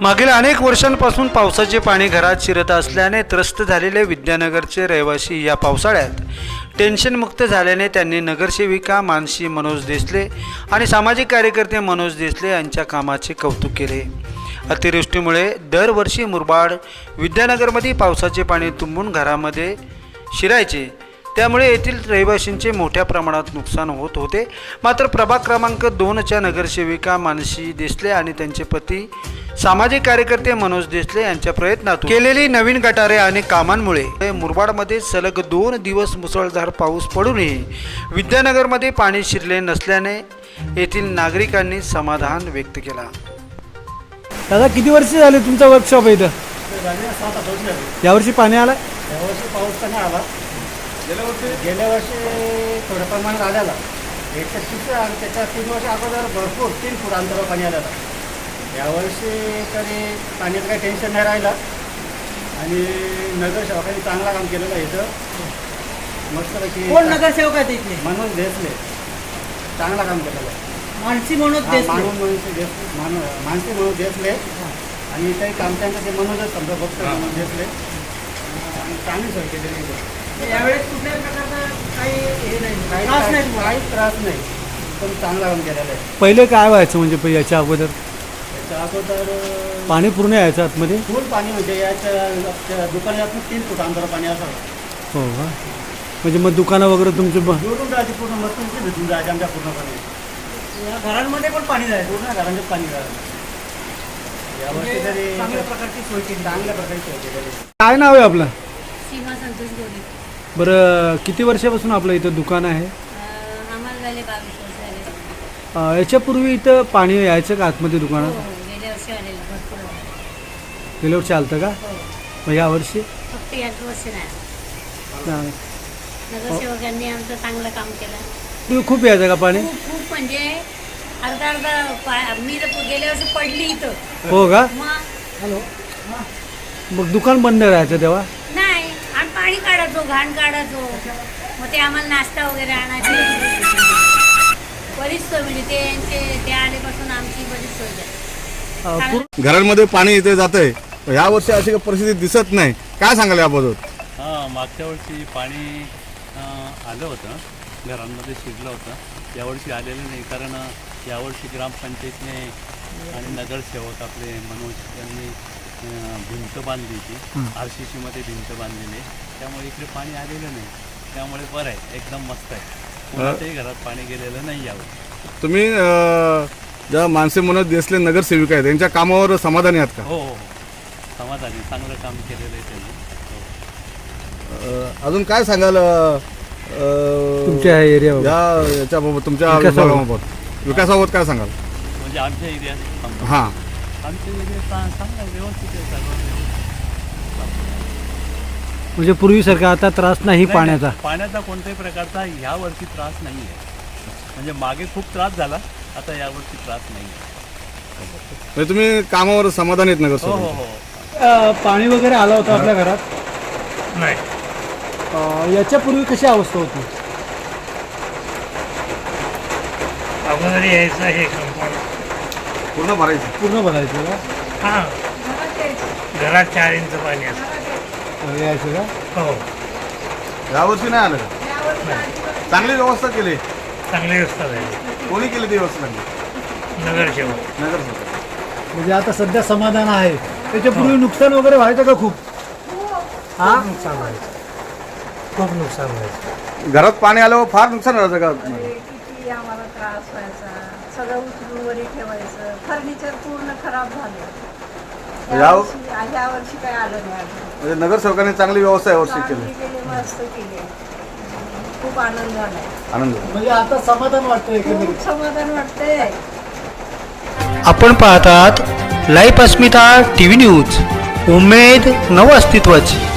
मागील अनेक वर्षांपासून पावसाचे पाणी घरात शिरत असल्याने त्रस्त झालेले विद्यानगरचे रहिवासी या पावसाळ्यात टेन्शनमुक्त झाल्याने त्यांनी नगरसेविका मानसी मनोज देसले आणि सामाजिक कार्यकर्ते मनोज देसले यांच्या कामाचे कौतुक केले। अतिवृष्टीमुळे दरवर्षी मुरबाड विद्यानगरमध्ये पावसाचे पाणी तुंबून घरामध्ये शिरायचे, त्यामुळे येथील रहिवाशांचे मोठ्या प्रमाणात नुकसान होत होते। मात्र प्रभाग क्रमांक 2च्या नगरसेविका मानसी देसले आणि त्यांचे पती सामाजिक कार्यकर्ते मनोज देसले यांच्या प्रयत्नातून केलेली नवीन गटारे आणि कामांमुळे मुरबाडमध्ये सलग 2 दिवस मुसळधार पाऊस पडूनही विद्यानगरमध्ये पाणी शिरले नसल्याने येथील नागरिकांनी समाधान व्यक्त केला। दादा, किती वर्ष झाले तुमचा वर्कशॉप आहे इथं? यावर्षी पाणी आलं? यावर्षी पाऊस तर नाही आला। गेल्या वर्षी थोड्या प्रमाणात आलेला, 130 आणि त्याच्या 3 वर्ष अगोदर भरपूर 3 फूट अंतरावर पाणी आलेलं। यावर्षी तरी पाण्याचं काही टेन्शन नाही राहिलं आणि नगरसेवकांनी चांगला काम केलेलं आहे इथं मस्तपैकी। कोण नगरसेवक आहेत इथले? मनोज देसले चांगला काम केलेलं आहे। मानसी मनोज देसले, मानसी मनोज देसले आणि काही काम त्यांचं ते मनोजच समजा फक्त मनोज देसले आणि चांगली सोय केलेली आहे। यावेळेस कुठल्याही प्रकारचा काही हे नाही, त्रास नाही तुम्हाला? काहीच त्रास नाही, पण चांगला काम केलेलं आहे। पहिले काय व्हायचं म्हणजे याच्या अगोदर? याच्या अगोदर पाणी पूर्ण यायचं आतमध्ये? फुल पाणी म्हणजे याच्या दुकानातून 3 फूट अंतर पाणी असावं। हो का? म्हणजे मग दुकानं वगैरे तुमचे जोडून जायचे पूर्ण मस्त भेटून जायचे आमच्या पूर्णपणे। या घरांमध्ये पण पाणी जायचं, पूर्ण घरांचे पाणी जायचं। यावर्षी तरी चांगल्या प्रकारची सोय केली, चांगल्या प्रकारे सोय केलेली आहे। काय नाव आहे आपलं? सीमा संतोष गोरे। बरं, किती वर्षापासून आपलं इथं दुकान आहे? आम्हाला झाले 22 वर्ष झाले। याच्यापूर्वी इथं पाणी यायचं का आतमध्ये दुकानात? हो, गेल्या वर्षी आलेलं भरपूर आलं। गेल्या वर्षी आलं का? हो, मग यावर्षी? फक्त याच वर्षी नाही। नाही. नगरसेवकांनी आमचं चांगलं काम केलं। तुम्ही खूप यायचं का पाणी? खूप म्हणजे अर्धा मी तर गेल्या वर्षी पडली इथं। हो का? मग मग दुकान बंद राहायचं तेव्हा? नाही, आणि पाणी काढायचो, घाण काढायचो, मग ते आम्हाला नाश्ता वगैरे आणायचे, बरीच सोय म्हणजे ते आल्यापासून आमची बरीच सोय झाली। घरांमध्ये पाणी इथे जातंय, ह्या वर्षी अशी काही परिस्थिती दिसत नाही, काय सांगाल याबद्दल? मागच्या वर्षी पाणी आलं होतं, घरांमध्ये शिरलं होतं, यावर्षी आलेलं नाही। कारण यावर्षी ग्रामपंचायतने आणि नगरसेवक आपले मनोज यांनी भिंत बांधली होती, RCC मध्ये भिंत बांधलेली, त्यामुळे इकडे पाणी आलेलं नाही। त्यामुळे बरं आहे, एकदम मस्त आहे, कोणाच्याही घरात पाणी गेलेलं नाही यावर्षी। तुम्ही ज्या मानसी मनोज देसले नगरसेविका आहेत त्यांच्या कामावर समाधानी आहात का? हो हो, समाधानी, चांगलं काम केलेलं आहे त्यांनी। अजून काय सांगाल तुमच्या एरिया याच्याबाबत, तुमच्या विकासाबाबत काय सांगाल? म्हणजे आमच्या एरियात हां, आमच्या एरियात चांगलं व्यवस्थित आहे, सगळं व्यवस्थित। म्हणजे पूर्वीसारखा आता त्रास नाही पाण्याचा? पाण्याचा कोणत्याही प्रकारचा ह्या वर्षी त्रास नाही आहे। म्हणजे मागे खूप त्रास झाला, आता यावर्षी त्रास नाही आहे। म्हणजे तुम्ही कामावर समाधानी आहेत हो नगरसेवक? हो हो। पाणी वगैरे आलं होतं आपल्या घरात? नाही, याच्यापूर्वी कशी अवस्था होती? अगोदर यायचं हे कंपाऊंड पूर्ण भरायचं? पूर्ण भरायचं का? हां, घरात 4 इंच पाणी असतं। यायचं का? हो, यावर्षी नाही आलं का? चांगली व्यवस्था केली? चांगली व्यवस्था झाली। कोणी केली ती व्यवस्था? चांगली नगरसेवक। नगरसेवक। म्हणजे आता सध्या समाधान आहे। त्याच्यापूर्वी नुकसान वगैरे व्हायचं का खूप? हा, नुकसान व्हायचं, खूप नुकसान व्हायचं। घरात पाणी आल्यावर फार नुकसान व्हायचं का? किती आम्हाला त्रास व्हायचा, सगळं उचलून वरी ठेवायचं, फर्निचर पूर्ण खराब झालं। या वर्षी काय आलं नाही अजून। म्हणजे नगरसेवकांनी चांगली व्यवस्था यावर्षी केली? मस्त केली, खूप आनंद झालाय। आनंद म्हणजे आता समाधान वाटतंय? खूप समाधान वाटतंय। आपण पाहतात लाईव्ह अस्मिता TV न्यूज, उमेद नव अस्तित्वाची।